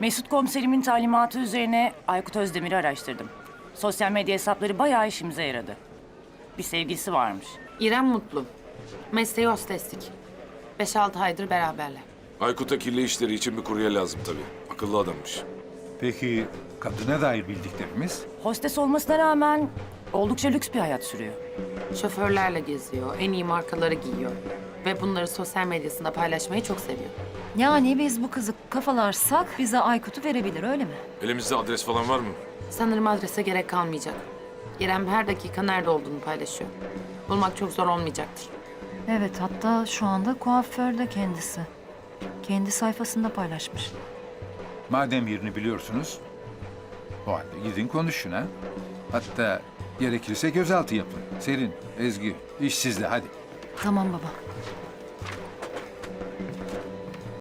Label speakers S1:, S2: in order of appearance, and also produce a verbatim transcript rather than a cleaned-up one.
S1: Mesut komiserimin talimatı üzerine Aykut Özdemir'i araştırdım. Sosyal medya hesapları bayağı işimize yaradı. Bir sevgilisi varmış.
S2: İrem Mutlu. Mesleği hosteslik. Beş altı aydır beraberler.
S3: Aykut'a kirli işleri için bir kurye lazım tabii. Akıllı adammış.
S4: Peki kadına dair bildiklerimiz?
S1: Hostes olmasına rağmen oldukça lüks bir hayat sürüyor.
S2: Şoförlerle geziyor, en iyi markaları giyiyor. Ve bunları sosyal medyasında paylaşmayı çok seviyor.
S5: Yani biz bu kızı kafalarsak bize Aykut'u verebilir öyle mi?
S3: Elimizde adres falan var mı?
S2: Sanırım adrese gerek kalmayacak. İrem her dakika nerede olduğunu paylaşıyor. Bulmak çok zor olmayacaktır.
S5: Evet, hatta şu anda kuaförde kendisi. Kendi sayfasında paylaşmış.
S4: Madem yerini biliyorsunuz, o halde gidin konuşun ha. Hatta gerekirse gözaltı yapın. Serin, Ezgi, iş sizde hadi.
S5: Tamam baba.